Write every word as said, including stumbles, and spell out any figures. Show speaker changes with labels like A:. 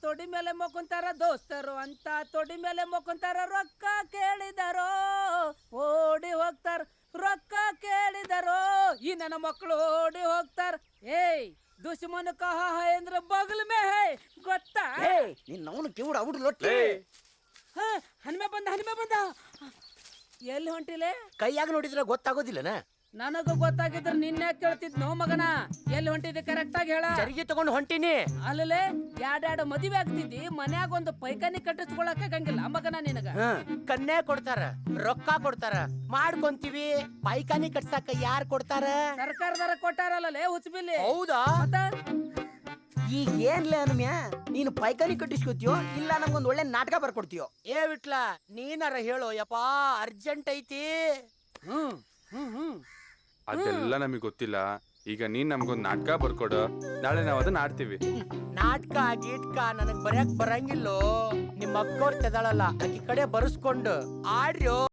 A: ತೊಡಿ ಮೇಲೆ ಮೊಕ್ಕಂತಾರ ದೋಸ್ತರು ಅಂತ ತೊಡಿ ಮೇಲೆ ಮೊಕ್ಕಂತಾರ ರೊಕ್ಕ ಕೇಳಿದಾರೋ ಓಡಿ ಹೋಗ್ತಾರ ರೊಕ್ಕ ಕೇಳಿದಾರೋ ಈ ನನ್ನ ಮಕ್ಕಳು ಓಡಿ ಹೋಗ್ತಾರ ಏಯ್ ದುಶ್ಮನ್ ಕಹಾ ಹೈ ಅಂದ್ರೆ ಬಗಲ್ ಮೇ ಹೈ ಗೊತ್ತಾ
B: ನಿನ್ನ ಅವನು ಕಿವುಡ ಅವ್ರು ಲೊಟ್ಟಿ
A: ಹ ಹನುಮೆ ಬಂದ ಹನುಮೆ ಬಂದ ಎಲ್ಲಿ ಹೊಂಟಿಲೆ
B: ಕೈಯಾಗ ನೋಡಿದ್ರೆ ಗೊತ್ತಾಗೋದಿಲ್ಲನ
A: ನನಗೂ ಗೊತ್ತಾಗಿದ್ರ ನಿನ್ನೆ ಕೇಳ್ತಿದ್ನೋ ಮಗನ ಎಲ್ಲಿ ಹೊಂಟಿದ್ದೆ ಕರೆಕ್ಟ್ ಆಗಿ ಹೇಳ
B: ಚರಿಗೆ ತಗೊಂಡು ಹೊಂಟಿನಿ
A: ಅಲ್ಲೇ ಎರಡೆರಡು ಮದುವೆ ಆಗ್ತಿದ್ದಿ ಮನ್ಯಾಗ ಒಂದು ಪೈಖಾನಿ ಕಟ್ಟಿಸ್ಕೊಳಕ ಆಗಂಗಿಲ್ಲ ಮಗನ ನಿನಗ
B: ಕನ್ಯಾ ಕೊಡ್ತಾರ ರೊಕ್ಕ ಕೊಡ್ತಾರ ಮಾಡ್ಕೊಂತೀವಿ ಪೈಖಾನಿ ಕಟ್ಸಾಕ ಯಾರ್ ಕೊಡ್ತಾರ
A: ಸರ್ಕಾರದಾರ ಕೊಟ್ಟಾರಲ್ಲೇ ಹುಚ್ಚಬಿಲ್ಲಿ
B: ಹೌದಾ ಈಗ ಏನ್ಲೇ ಅನ್ಮ್ಯಾ ನೀನು ಪೈಖಾನಿ ಕಟ್ಟಿಸ್ಕೊತೀಯೋ ಇಲ್ಲ ನಮ್ಗೊಂದ್ ಒಳ್ಳೆ ನಾಟಕ ಬರ್ಕೊಡ್ತೀಯೋ ಏ ವಿಟ್ಲ ನೀನಾರ ಹೇಳೋ ಯಪ್ಪಾ ಅರ್ಜೆಂಟ್ ಐತಿ
A: ಹ್ಮ್ ಹ್ಮ್ ಹ್ಮ್
C: ಅದೆಲ್ಲ ನಮಗ್ ಗೊತ್ತಿಲ್ಲ. ಈಗ ನೀನ್ ನಮ್ಗೊಂದ್ ನಾಟಕ ಬರ್ಕೊಡು, ನಾಳೆ ನಾವ್ ಅದನ್ನ ಆಡ್ತೀವಿ.
B: ನಾಟಕ ಗೀಟ್ಕ ನನಗ್ ಬರ್ಯಾಕ್ ಬರಂಗಿಲ್ಲೋ. ನಿಮ್ಮ ಅಕ್ಕೋರ್ ತೆದಾಳಲ್ಲ ಆಕಿ ಕಡೆ ಬರ್ಸ್ಕೊಂಡು ಆಡ್ರ್ಯೋ.